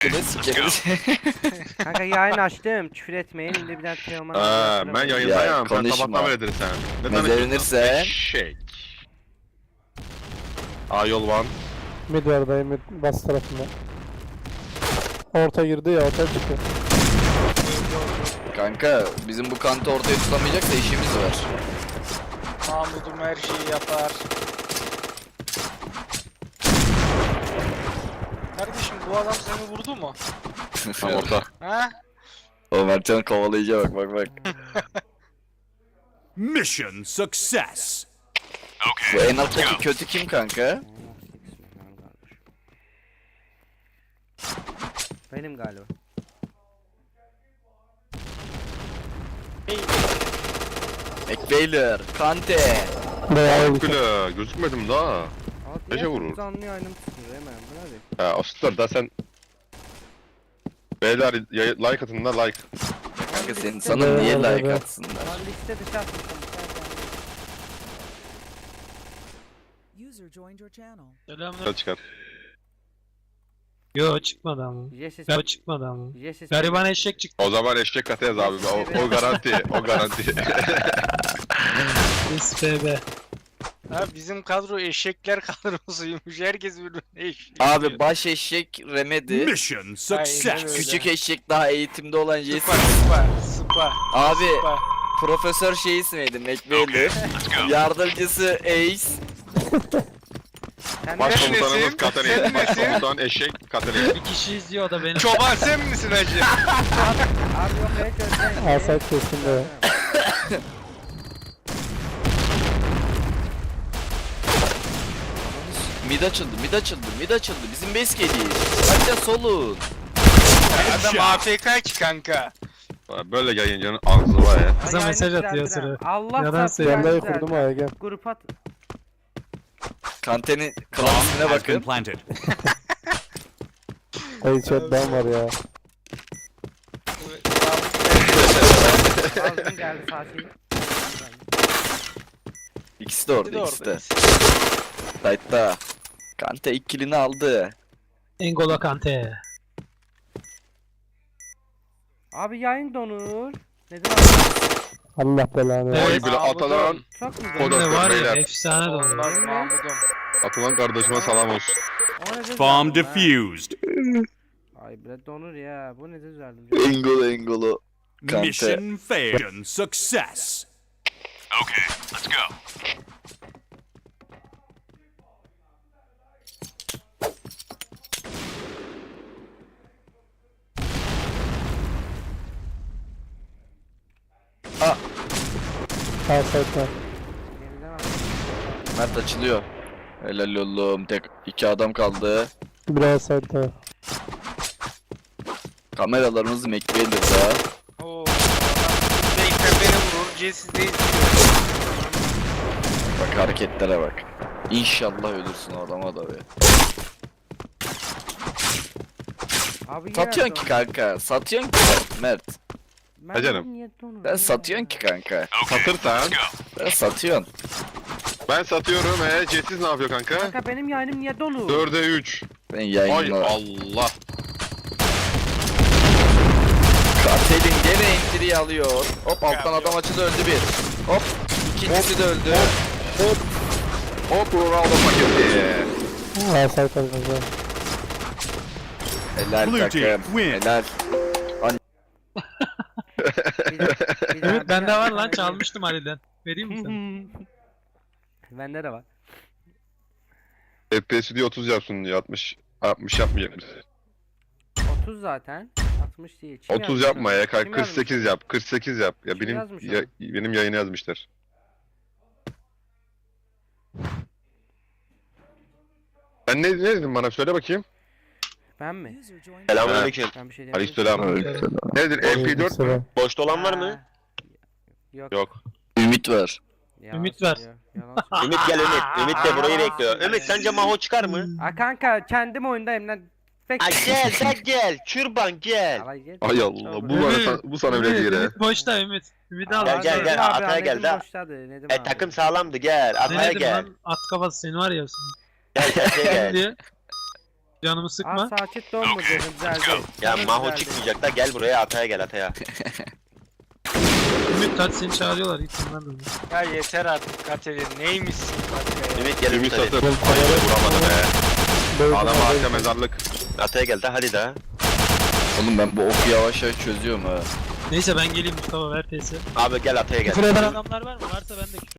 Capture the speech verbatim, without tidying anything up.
Ne sikeriz? Kanka yayın açtım. Küfür etmeyin. Şimdi bir daha Teoman. Aa, ben yayındayım. Ya, Sen konuşma. sabahtan beridir sen. Ne Ne tanışıyorsun? derinirse. Eşek. A yol one. Mid var dayı mid bas tarafında. Orta girdi ya orta çıktı. Kanka bizim bu kantı ortaya tutamayacaksa işimiz var. Mahmud'um her şeyi yapar. Kardeşim bu adam seni vurdu mu? Tam orta. Ha? O Mertcan kovalayıcıya bak bak bak. Mission success. Bu en alttaki kötü kim kanka? Benim galiba. McBailer, Kante. Bayağı iyi. Gülü gözükmedim daha. Abi Nece vurur? Canlı yayınım tutuyor hemen. Bu ne? Ha o da sen. Beyler yay- like atın da like. Kanka senin sana niye like atsınlar? Lan liste dışı atmışım. User joined your channel. Selamünaleyküm. Çıkar. Yo çıkmadı ama. Yesis. Yo çıkmadı ama. Yesis. Gariban eşek çıktı. O zaman eşek katı yaz abi. O, o garanti. O garanti. S P B. Ha bizim kadro eşekler kadrosuymuş. Herkes birbirine eşek. Abi baş eşek Remedi. Mission Aynen success. öyle. Küçük eşek daha eğitimde olan Sıpa Jason. sıpa sıpa. Abi Sıpa. profesör şey ismiydi McBailer. Yardımcısı Ace. Sen Başkomutanımız nesin? Sen Katalin. nesin? Başkomutan eşek Katalin. Bir kişi izliyor o da benim. Çoban sen misin hacı? Abi yok evet gözden. Asayt kesin de. Mid açıldı, mid açıldı, mid açıldı. Bizim base geliyor. Hadi solun. Adam A F K ki kanka. Böyle yayıncının ağzı var ya. Kıza Ay, mesaj yayını atıyor düzeltirim. sıra. Allah Yalan çarpsın, söylüyor. yayını Yandayı düzeltirim. kurdum aya gel. Grup at. Kantenin klan Bomb ismine has been bakın. planted. Dayı chat'ten var ya. Ağzım geldi Fatih. İkisi de Bir orada, de ikisi de. orada. Sight'ta. Kante ilk killini aldı. Engolo Kante. Abi yayın donur. Neden abi? Allah belanı. Evet. Oy bile atılan. Çok mu O da- donur? Ne var ya beyler. efsane de Olmaz oldu. Mahmud'um. Atılan kardeşime selam olsun. O ne Bomb düzeldim ha? defused. Ay bre donur ya. Bu ne düzeldim? Engolo Engolo. Kante. Mission failed. Mission success. Okay, let's go. Asayt var. Yeniden al. Mert açılıyor. Helal oğlum. Tek iki adam kaldı. Bir asayt var. Kameralarımız McBailer'da. Oo. Adam Beyler beni vurur. Jessiz de izliyor. Bak hareketlere bak. İnşallah ölürsün o adama da be. Abi yine Satıyorsun ki donur. kanka. Satıyorsun ki Mert. Ben Ha canım. niye donur Sen ya? satıyorsun ki kanka. Satırsan. Sen satıyorsun. Ben satıyorum. He, Cetsiz ne yapıyor kanka? Kanka benim yayınım niye donur? dörde üç. Ben Ay yayınla. Allah. Kartelin gene entry'yi alıyor. Hop alttan Yapıyor. adam açıldı öldü bir. Hop. İkincisi de öldü. Hop. Hop Ronaldo paketi. Asayt var kanka. Helal Blue team takım. win. Helal. Bir de- bir de- Ümit bir bende de- var lan çalmıştım Ali'den. Vereyim mi sana? Bende de var. F P S diye otuz yapsın diye altmış. altmış yapmayacak mısın? otuz zaten. altmış değil. Kim otuz yazmış yapma onu? ya. Kim kırk sekiz yazmış? yap. kırk sekiz yap. Ya Kim benim yazmış ya, onu? benim yayını yazmışlar. Ben ne, ne dedim bana söyle bakayım. Ben mi? User joined. Selamünaleyküm. Ben bir şey demedim. Aleykümselam. Nedir? M P dört mü? Selam. Boşta olan var mı? Ha. Yok. Yok. Ümit var. Yalan Ümit ver. söylüyor, yalan söylüyor. Ümit gel Ümit. Ümit de burayı bekliyor. Ümit sence Maho çıkar mı? Ha kanka kendim oyundayım lan. Pek. Ay gel sen gel. Çırban gel. Alay gel. Ay Allah. Bu, Ümit. bana, bu sana bile Ümit, değil he. Ümit boşta Ümit. Ümit'i al. Gel, gel, Nedim gel, abi, arkaya Nedim gel, de. boştadı, Nedim E abi. takım sağlamdı gel. Ne Arkaya dedim gel. lan? At kafası seni var ya. Gel gel şey Gel gel. diyor. Canımı Aa sıkma. saçit don mu dedim güzeldi. Ya Canım Maho güzeldi. çıkmayacak da gel buraya Atay'a gel Atay'a. Ümit hadi seni çağırıyorlar. Git onlarla. oyna. Ya yeter artık Katerina. Neymişsin Katerina? Ümit gel Ümit Ümit hadi. satır. Hayır vuramadı be. Böyle Adam böyle- arka mezarlık. Atay'a gel de hadi daha. Oğlum ben bu oku yavaş yavaş çözüyorum ha. Neyse ben geleyim Mustafa ver T S. Abi gel Atay'a gel. Küfür eden adamlar var mı? Varsa ben de küfür